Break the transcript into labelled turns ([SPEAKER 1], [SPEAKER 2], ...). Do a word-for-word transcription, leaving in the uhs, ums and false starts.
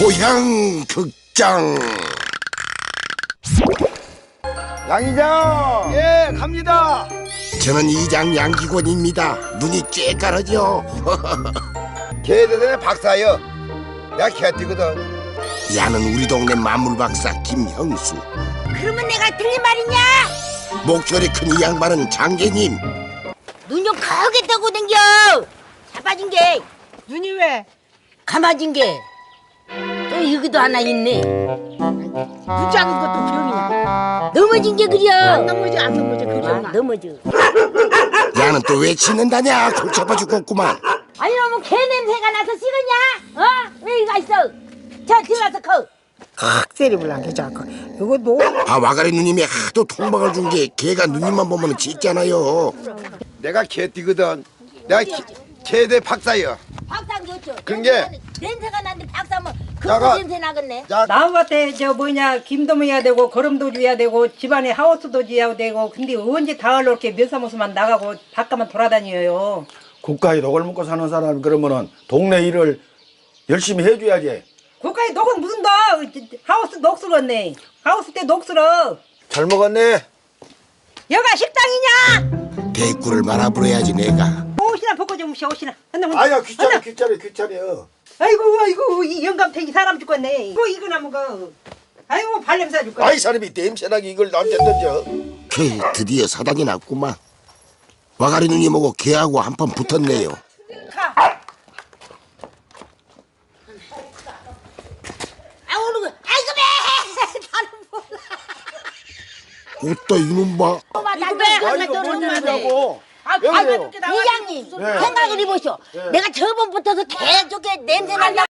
[SPEAKER 1] 고향 극장.
[SPEAKER 2] 양이장! 예, 갑니다.
[SPEAKER 1] 저는 이장 양기권입니다. 눈이 쬐까르죠.
[SPEAKER 2] 개대단의 박사여. 내가 개띠거든.
[SPEAKER 1] 야는 우리 동네 만물박사 김형수.
[SPEAKER 3] 그러면 내가 틀린 말이냐?
[SPEAKER 1] 목소리 큰 이 양반은 장계님.
[SPEAKER 3] 눈 좀 크게 뜨고 댕겨. 자빠진 게
[SPEAKER 4] 눈이 왜?
[SPEAKER 3] 감아진 게 또 여기도 하나 있네.
[SPEAKER 4] 눈 작은 것도 병이야.
[SPEAKER 3] 넘어진 게 그려.
[SPEAKER 4] 안 넘어져 안 넘어져
[SPEAKER 3] 아,
[SPEAKER 4] 그죠?
[SPEAKER 3] 넘어져.
[SPEAKER 1] 야는 또 왜 치는다냐? 골 잡아 죽겠구만.
[SPEAKER 3] 아니 너무 개 냄새가 나서 식었냐? 어? 왜 이거 있어? 저 들어가서 커.
[SPEAKER 4] 칵세리불 안 괜찮고 이거 노.
[SPEAKER 1] 아, 와가리 누님이 하도 통박을 준 게 걔가 누님만 보면 짖잖아요.
[SPEAKER 2] 내가 개띠거든. 내가 개, 개대 박사여.
[SPEAKER 3] 박상 좋죠.
[SPEAKER 2] 그런 게-
[SPEAKER 3] 냄새가 나는데 박사면
[SPEAKER 2] 야가-
[SPEAKER 3] 그 냄새 나겠네.
[SPEAKER 2] 자,
[SPEAKER 5] 나무 같아 저 뭐냐 김도 해야 되고 거름도 줘야 되고 집안에 하우스도 지어야 되고 근데 언제 다을로 이렇게 면사무소만 나가고 바깥만 돌아다녀요.
[SPEAKER 6] 국가에 녹을 먹고 사는 사람 그러면은 동네 일을 열심히 해줘야지.
[SPEAKER 5] 국가에 녹은 무슨 녹 하우스 녹슬었네. 하우스 때 녹슬어.
[SPEAKER 2] 잘 먹었네.
[SPEAKER 5] 여가 식당이냐?
[SPEAKER 1] 대꾸를 말아버려야지 내가.
[SPEAKER 5] 옷이나 벗고 좀 오시오 옷이나. 한나
[SPEAKER 6] 아야 귀찮아 귀찮아 귀찮아요.
[SPEAKER 5] 아이고 아이고 이 영감탱이 사람 죽겠네. 이거 이거나 먹어. 아이고 발냄새 줄까.
[SPEAKER 6] 아이 사람이 냄새나게 이걸 나한테 던져.
[SPEAKER 1] 걔 드디어 사단이 났구만. 와가리 누님하고 걔하고 한판 붙었네요.
[SPEAKER 3] 아 오는 거. 아이고 배. 나는 몰라.
[SPEAKER 1] 옷도 이놈 봐.
[SPEAKER 3] 이거 배
[SPEAKER 6] 아
[SPEAKER 3] 하나
[SPEAKER 6] 이거
[SPEAKER 3] 더
[SPEAKER 6] 뭘
[SPEAKER 3] 넣는데.
[SPEAKER 6] 먹냐고.
[SPEAKER 5] 아,
[SPEAKER 6] 왜 그래요?
[SPEAKER 3] 이장님 생각을 해보시오. 내가 저번부터서 계속 냄새 난다.